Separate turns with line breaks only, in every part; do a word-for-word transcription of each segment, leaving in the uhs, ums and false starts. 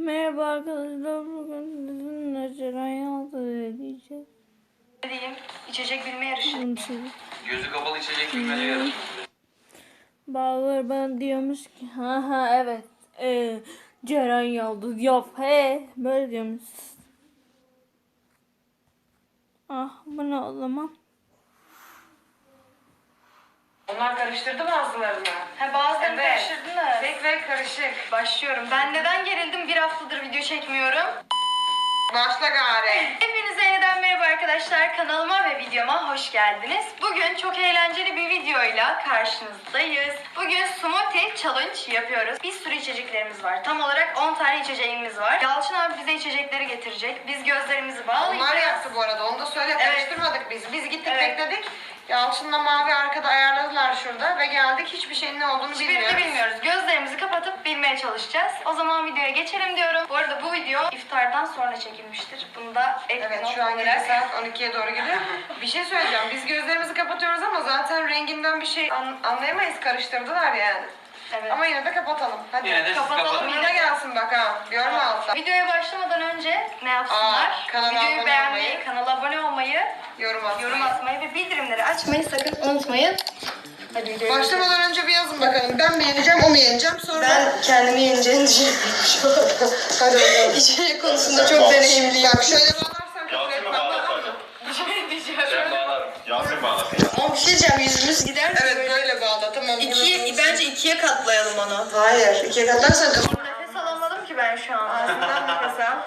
Merhaba arkadaşlar, bugün sizinle Ceren Yalçın'ı diyeceğiz.
Ne diyeyim? İçecek bilme yarışı.
Gözü kapalı içecek bilmece yarışı.
Bağlar bana diyormuş ki ha ha evet ee, Ceren Yıldız yap he böyle diyormuş. Ah bu ne o zaman?
Onlar karıştırdı mı ağızlarını? He bazılarını
Evet.
karıştırdınız.
Tek ve karışık.
Başlıyorum. Ben neden gerildim? Bir haftadır video çekmiyorum.
Başla gari.
Hepinize yeniden merhaba arkadaşlar. Kanalıma ve videoma hoş geldiniz. Bugün çok eğlenceli bir videoyla karşınızdayız. Bugün smoothie challenge yapıyoruz. Bir sürü içeceklerimiz var. Tam olarak on tane içeceğimiz var. Yalçın abi bize içecekleri getirecek. Biz gözlerimizi bağlayacağız.
Onlar yaptı bu arada. Onu da söyle.
Evet.
Karıştırmadık biz. Biz gittik
Evet.
bekledik. Yalçın'la Mavi arkada ayarladılar şurada ve geldik. Hiçbir şeyin ne olduğunu
Hiçbirini
bilmiyoruz.
bilmiyoruz. Gözlerimizi kapatıp bilmeye çalışacağız. O zaman videoya geçelim diyorum. Bu arada bu video iftardan sonra çekilmiştir. Bunu da ek
Evet
not
şu an gece
olarak.
saat on ikiye doğru gidiyor. Bir şey söyleyeceğim. Biz gözlerimizi kapatıyoruz ama zaten renginden bir şey an- anlayamayız. Karıştırdılar yani.
Evet.
Ama yine de kapatalım. Hadi.
Yine de siz
Kapatalım.
kapatın.
Yine gelsin bak ha. Görme altta.
Videoya başlamadan önce ne yapsınlar?
Aa, kanala
Videoyu
abone
beğenmeyi,
olmayı,
kanala abone olmayı,
Yorum atmayı.
yorum atmayı ve bildirimleri açmayı sakın unutmayın. Hadi videoya
Başlamadan önce bir yazın bakalım. Ben mi yeneceğim, o mu yeneceğim? Sonra...
Ben kendimi yeneceğini düşünüyorum şu anda.
Hadi bakalım.
İçecek konusunda çok deneyimliyim.
Bak şöyle bağlarsan kabul
Yasin mi
etmem.
bağlasın?
Bir şey diyeceğim.
Ben bağlarım. Yasin bağlasın.
Ama bir şey diyeceğim, yüzümüz gider mi?
Evet böyle bağla tamam.
İkiye, bence ikiye katlayalım onu.
Hayır. İkiye katlarsan kabul.
Nefes alamadım ki ben şu an.
Ağzından nefes al.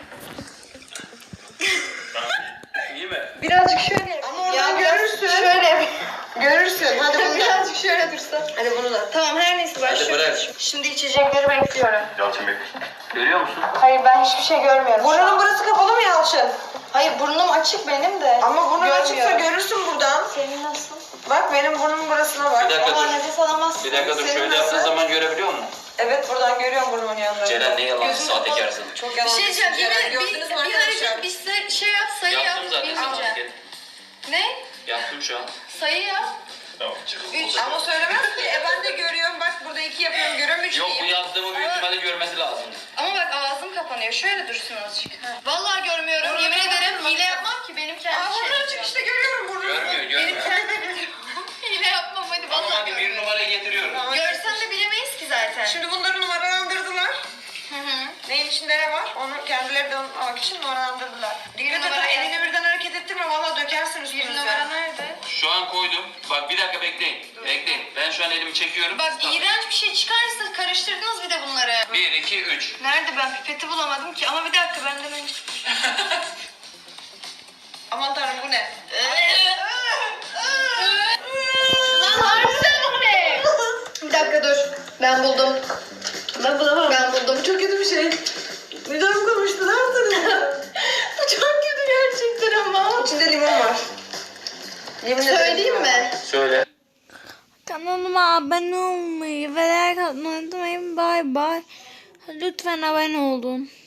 İyi mi?
Birazcık şöyle.
Ama oradan
biraz
görürsün.
Şöyle.
Görürsün. Hadi bunu da.
Birazcık şöyle dursa.
Hadi bunu da.
Tamam her neyse başlıyorum.
bırak.
Şimdi içecekleri bekliyorum.
Yalçın Bey. Görüyor musun?
Hayır ben hiçbir şey görmüyorum.
Burnunun burası kapalı mı Yalçın?
Hayır burnum açık benim de.
Ama burnun açıksa
Görmüyorum.
görürsün buradan.
Senin nasıl?
Bak benim burnumun burasına bak.
Bir dakika
Ama
dur.
nefes alamazsın.
Bir dakika dur.
Senin
Şöyle
nasıl?
yaptığın zaman görebiliyor musun?
Evet buradan görüyorum burnumun yanlarını.
Ceren ne yalan
Gözün
sahtekarsın.
Çok
Bir
yalan.
şey diyeceğim. Bir,
Ceren,
bir,
gördünüz mü
bir
arkadaşlar?
hareket bir se- şey yap sayı yap.
Yaptım zaten sana
Bilmeyeceğim.
hareket.
Ne?
Yaptım şu an.
Sayı yap.
Tamam çık.
Üç.
Ama söylemez ki. E ben de görüyorum. Bak burada iki yapıyorum. Görüyorum üç
Yok bu
diyeyim.
yaptığımı büyük ihtimalle görmesi lazım.
Ama bak ağzım kapanıyor. Şöyle dursun azıcık. Vallahi görmüyorum.
Doğru,
Yemin
doğru,
ederim
doğru.
hile yapmam ki benim kendi
Aa
şeyim.
buradan açık işte görüyorum burnumu.
Görmüyor
Benim
görmüyor.
kendi hile yapmam hadi
Tamam
vallahi
hadi bir
görmüyorum.
numarayı getiriyorum.
Tamam.
Görsen de bilemeyiz ki zaten.
Şimdi bunları numaralandırdılar.
Hı hı.
Neyin içinde ne var? Onu kendileri de unutmamak için numaralandırdılar. Dikkat edin
numara
elini
nerede?
birden hareket ettirme valla dökersin
Bir
üstünüze.
numara nerede?
Şu an koydum. Bak bir dakika bekleyin. Bekleyin. Ben şu an elimi çekiyorum.
Bak
Tamam.
iğrenç bir şey çıkarsa karıştırdınız bir de bunları.
Bir, iki, üç.
Nerede ben pipeti bulamadım ki ama bir dakika benden önce.
Aman tanrım bu ne?
Lan harbiden bu ne? Bir dakika dur. Ben buldum.
Ben bulamam.
Ben buldum.
Çok kötü bir şey. Midem konuştu ne yaptın?
Bu çok kötü gerçekten ama.
İçinde limon var. Yemin ederim
Söyleyeyim
limon
mi?
var.
Söyle.
Kanalıma abone olmayı ve like atmayı unutmayın. Bye bye. Lütfen abone olun.